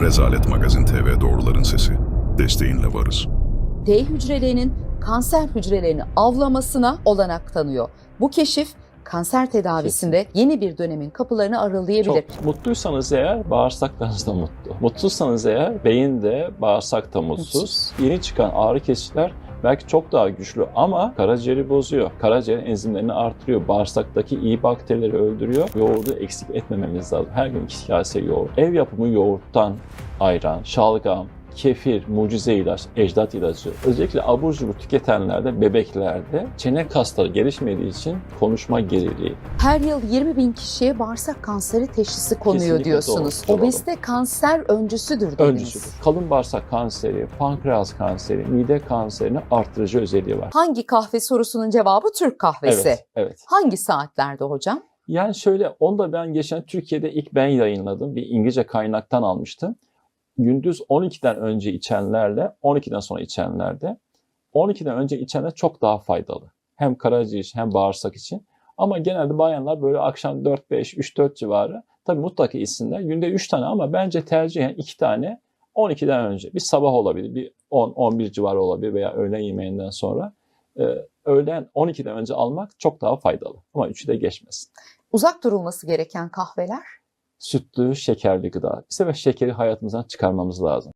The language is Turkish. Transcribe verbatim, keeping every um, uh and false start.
Rezalet Magazin T V Doğruların Sesi. Desteğinle varız. T hücrelerinin kanser hücrelerini avlamasına olanak tanıyor. Bu keşif kanser tedavisinde yeni bir dönemin kapılarını aralayabilir. Çok mutluysanız eğer bağırsaklarınız da mutlu. Mutsuzsanız eğer beyin de bağırsak da mutsuz. Mutsuz. Yeni çıkan ağrı kesiciler belki çok daha güçlü ama karaciğeri bozuyor. Karaciğer enzimlerini artırıyor. Bağırsaktaki iyi bakterileri öldürüyor. Yoğurdu eksik etmememiz lazım. Her gün iki kase yoğurt. Ev yapımı yoğurttan ayran, şalgam, kefir, mucize ilaç, ecdat ilacı. Özellikle abur cubur tüketenlerde, bebeklerde çene kasları gelişmediği için konuşma geriliği. Her yıl yirmi bin kişiye bağırsak kanseri teşhisi konuyor Kesinlikle diyorsunuz. doğru, doğru. Obezite kanser öncüsüdür dediniz. Öncüsüdür. Kalın bağırsak kanseri, pankreas kanseri, mide kanserini arttırıcı özelliği var. Hangi kahve sorusunun cevabı Türk kahvesi. Evet, evet. Hangi saatlerde hocam? Yani şöyle, onu da ben geçen Türkiye'de ilk ben yayınladım. Bir İngilizce kaynaktan almıştım. Gündüz on ikiden önce içenlerle on ikiden sonra içenlerde on ikiden önce içenler çok daha faydalı. Hem karaciğer için hem bağırsak için. Ama genelde bayanlar böyle akşam dört beş, üç dört civarı tabii mutlaka içsinler. Günde üç tane ama bence tercihen iki tane on ikiden önce. Bir sabah olabilir, bir on on bir civarı olabilir veya öğlen yemeğinden sonra. Ee, öğlen on ikiden önce almak çok daha faydalı. Ama üçü de geçmesin. Uzak durulması gereken kahveler? Sütlü, şekerli gıda. Bir sefer şekeri hayatımızdan çıkarmamız lazım.